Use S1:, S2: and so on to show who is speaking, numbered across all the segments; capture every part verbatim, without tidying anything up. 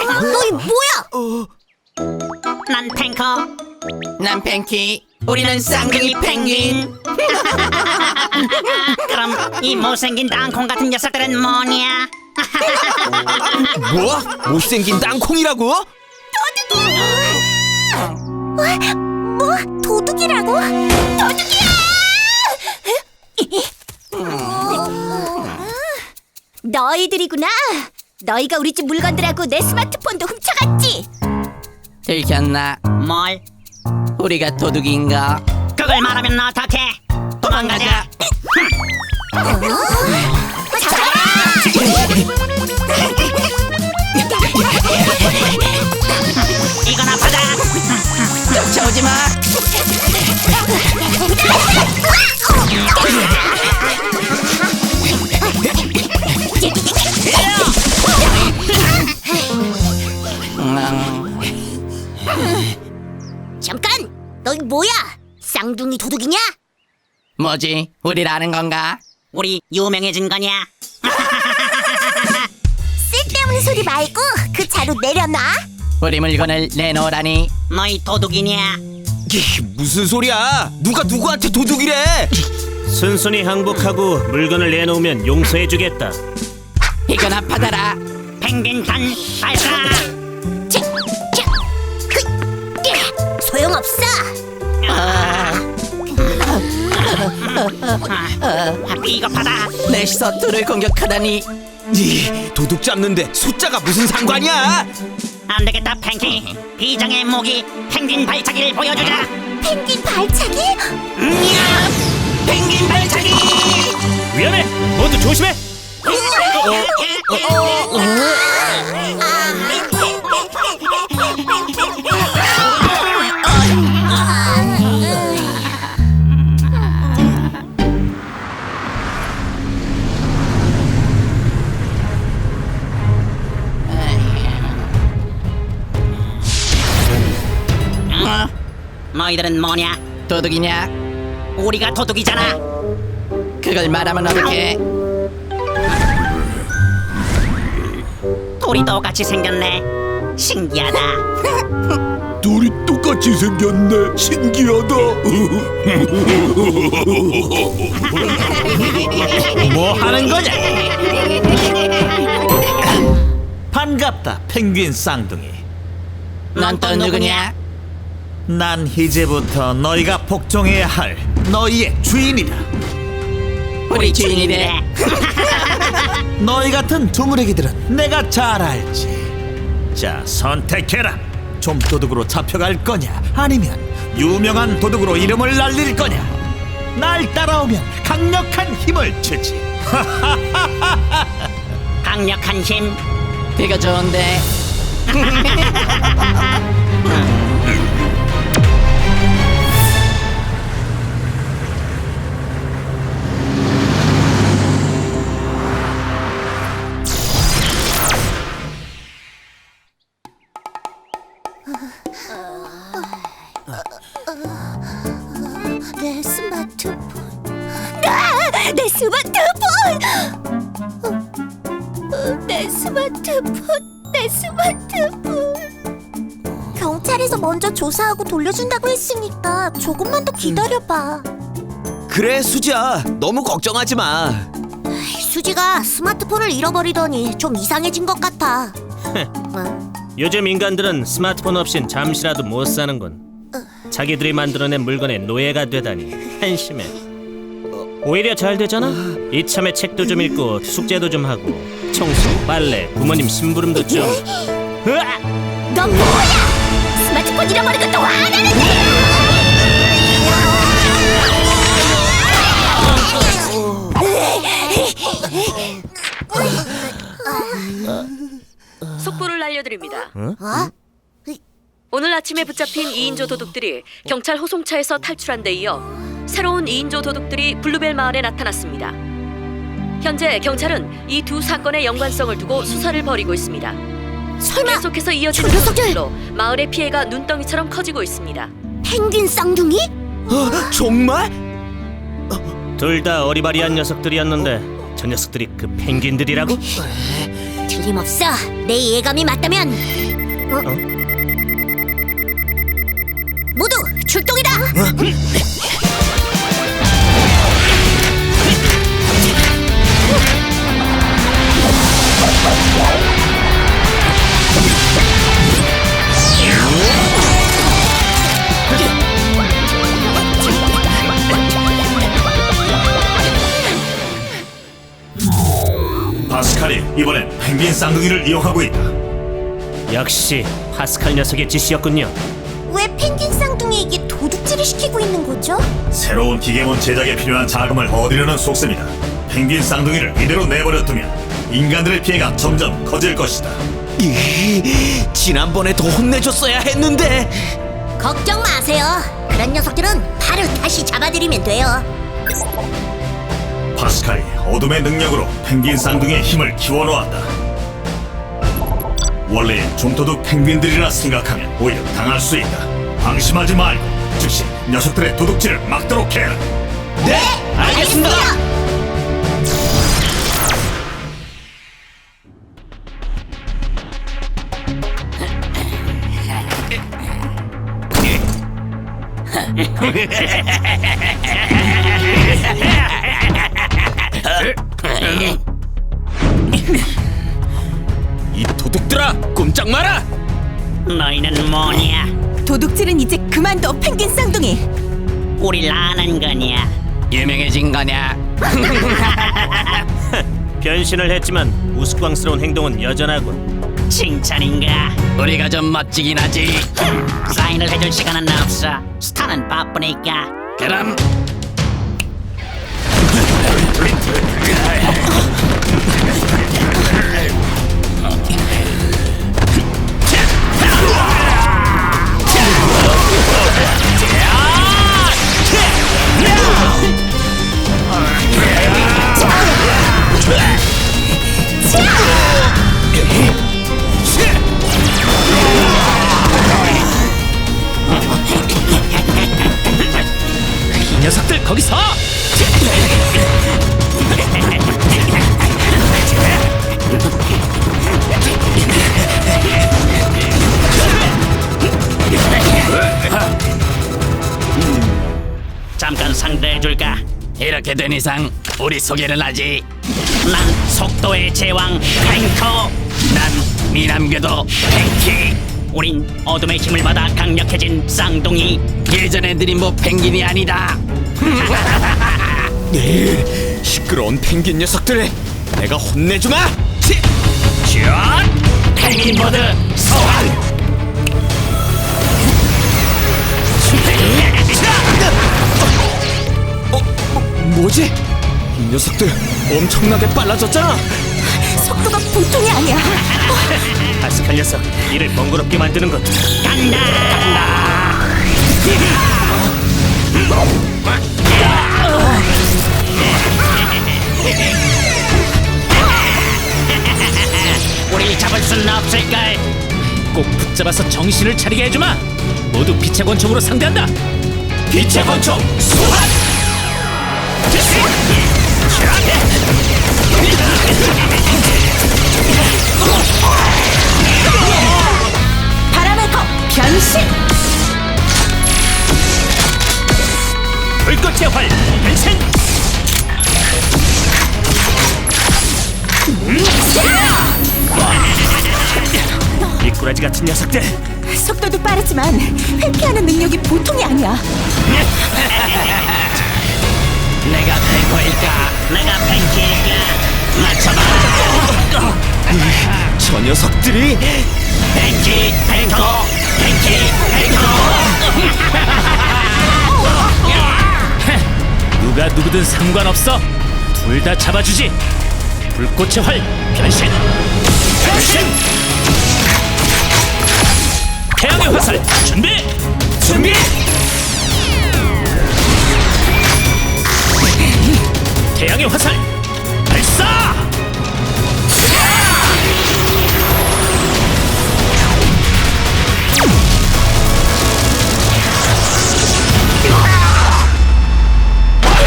S1: 너희 뭐야?
S2: 난 탱커.
S3: 난 팬키. 우리는 쌍둥이 펭귄.
S2: 그럼 이 못생긴 땅콩 같은 녀석들은 뭐냐?
S4: 뭐? 못생긴 땅콩이라고?
S1: 뭐? 도둑이라고? 도둑이야! 너희들이구나. 너희가 우리 집 물건들하고 내 스마트폰도 훔쳐갔지?
S3: 들켰나?
S2: 뭘?
S3: 우리가 도둑인가?
S2: 그걸 말하면 어떡해? 도망가자.
S1: 잡아라!
S2: 이거나 받아.
S3: 쫓아오지 마.
S1: 잠깐! 너희 뭐야? 쌍둥이 도둑이냐?
S3: 뭐지? 우리를 아는 건가?
S2: 우리 유명해진 거냐?
S1: 쓸데없는 소리 말고 그 자루 내려놔.
S3: 우리 물건을 내놓으라니.
S2: 너희 도둑이냐?
S4: 이, 무슨 소리야? 누가 누구한테 도둑이래?
S5: 순순히 항복하고 물건을 내놓으면 용서해주겠다.
S3: 이거나 받아라.
S2: 펭귄 단 발사.
S1: 자, 자, 그, 야, 소용없어.
S2: 아, 이거 받아.
S3: 내 서투를 공격하다니.
S4: 이, 도둑 잡는데 숫자가 무슨 상관이야?
S2: 안 되겠다, 펭귄. 비장의 무기 펭귄 발차기를 보여주자.
S1: 펭귄 발차기?
S2: 야! 펭귄 발차기.
S5: 위험해! 모두 조심해!
S2: 어? 너희들은 뭐냐?
S3: 도둑이냐?
S2: 우리가 도둑이잖아.
S3: 그걸 말하면 어떡해?
S2: 우리 똑같이 생겼네. 신기하다.
S4: 둘이 똑같이 생겼네. 신기하다.
S6: 뭐 하는 거냐? 반갑다, 펭귄 쌍둥이.
S3: 넌 또 누구냐?
S6: 난 이제부터 너희가 복종해야 할 너희의 주인이다.
S3: 우리 주인이래.
S6: 너희 같은 두무레기들은 내가 잘 알지. 자, 선택해라. 좀도둑으로 잡혀갈 거냐, 아니면 유명한 도둑으로 이름을 날릴 거냐. 날 따라오면 강력한 힘을 주지.
S2: 강력한 힘.
S3: 되게 좋은데.
S1: 내 스마트폰. 아, 내 스마트폰. 어, 내 스마트폰. 내 스마트폰. 경찰에서 먼저 조사하고 돌려준다고 했으니까 조금만 더 기다려봐.
S4: 그래, 수지야. 너무 걱정하지 마.
S1: 수지가 스마트폰을 잃어버리더니 좀 이상해진 것 같아. 어?
S5: 요즘 인간들은 스마트폰 없인 잠시라도 못 사는군. 자기들이 만들어낸 물건의 노예가 되다니 한심해. 오히려 잘 되잖아. 이참에 책도 좀 읽고 숙제도 좀 하고 청소, 빨래, 부모님 심부름도 좀. 으악!
S1: 너 뭐야? 스마트폰 잃어버린 것도 화나는데.
S7: 속보를 알려드립니다.
S1: 어?
S7: 오늘 아침에 붙잡힌 이인조 도둑들이 경찰 호송차에서 탈출한 데 이어 새로운 이인조 도둑들이 블루벨 마을에 나타났습니다. 현재 경찰은 이 두 사건의 연관성을 두고 수사를 벌이고 있습니다.
S1: 설마
S7: 계속해서 이어지는
S1: 저 녀석들!
S7: 소식들로 마을의 피해가 눈덩이처럼 커지고 있습니다.
S1: 펭귄 쌍둥이?
S4: 어, 정말?
S5: 둘 다 어리바리한 녀석들이었는데 저 녀석들이 그 펭귄들이라고?
S1: 틀림없어. 내 예감이 맞다면. 어? 모두 출동이다.
S6: 파스칼이 이번엔 펭귄 쌍둥이를 이용하고 있다.
S5: 역시 파스칼 녀석의 짓이었군요.
S1: 왜 펭귄 쌍둥이에게 도둑질을 시키고 있는 거죠?
S6: 새로운 기계문 제작에 필요한 자금을 얻으려는 속셈이다. 펭귄 쌍둥이를 이대로 내버려 두면 인간들의 피해가 점점 커질 것이다.
S4: 이, 지난번에 더 혼내줬어야 했는데.
S1: 걱정 마세요. 그런 녀석들은 바로 다시 잡아들이면 돼요.
S6: 파스칼이 어둠의 능력으로 펭귄 쌍둥이의 힘을 키워놓았다. 원래의 좀도둑 펭귄들이라 생각하면 오히려 당할 수 있다. 방심하지 말고 즉시 녀석들의 도둑질을 막도록 해라.
S4: 네, 알겠습니다. 이 도둑들아, 꼼짝 마라.
S2: 너희는 뭐냐?
S8: 도둑질은 이제 그만둬, 펭귄 쌍둥이.
S2: 우릴 아는 거냐?
S3: 유명해진 거냐?
S5: 변신을 했지만 우스꽝스러운 행동은 여전하군.
S2: 칭찬인가?
S3: 우리가 좀 멋지긴 하지.
S2: 사인을 해줄 시간은 없어. 스타는 바쁘니까.
S3: 그럼
S4: 이 녀석들 거기서.
S2: 잠깐 상대해줄까?
S3: 이렇게 된 이상 우리 소개를 하지.
S2: 난 속도의 제왕 탱커.
S3: 난 미남궤도 펭키.
S2: 우린 어둠의 힘을 받아 강력해진 쌍둥이.
S3: 예전 애들이 뭐 펭귄이 아니다.
S4: 네, 시끄러운 펭귄 녀석들, 내가 혼내주마.
S2: 펭귄 모드 소환.
S4: 어, 뭐, 뭐지? 이 녀석들 엄청나게 빨라졌잖아.
S8: 속도가 보통이 아니야.
S5: 파스칼 녀석, 이를 번거롭게 만드는 것.
S2: 간다. 간다. 우리 잡을 수는 없을까?
S5: 꼭 붙잡아서 정신을 차리게 해주마. 모두 빛의 권총으로 상대한다. 빛의 권총 소환.
S8: 바람의 검 변신.
S5: 불꽃의 활 변신. 미꾸라지 같은 녀석들.
S8: 속도도 빠르지만 회피하는 능력이 보통이 아니야.
S3: 내가 탱커일까?
S2: 내가 펭귄일까? 맞춰봐.
S4: 저 녀석들이.
S2: 펭귄 탱커. 펭귄 탱커.
S5: 누가 누구든 상관없어. 둘 다 잡아주지. 불꽃의 활 변신. 변신. 태양의 화살 준비. 준비. 태양의 화살 발사.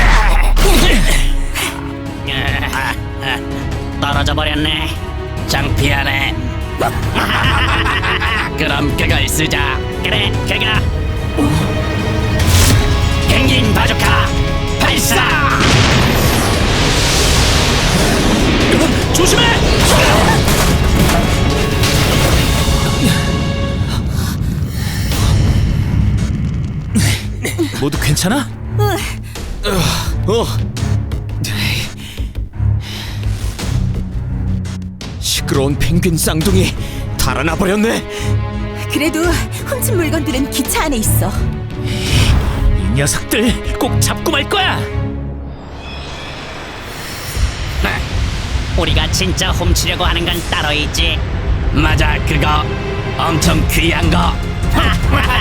S2: 떨어져 버렸네.
S3: 장판 그럼 그걸 쓰자.
S2: 그래, 그가. 펭귄 바주카 발사.
S5: 조심해!
S4: 모두 괜찮아? 어. 시끄러운 펭귄 쌍둥이 달아나 버렸네.
S8: 그래도 훔친 물건들은 기차 안에 있어.
S5: 이 녀석들 꼭 잡고 말 거야.
S2: 우리가 진짜 훔치려고 하는 건 따로 있지.
S3: 맞아, 그거 엄청 귀한 거.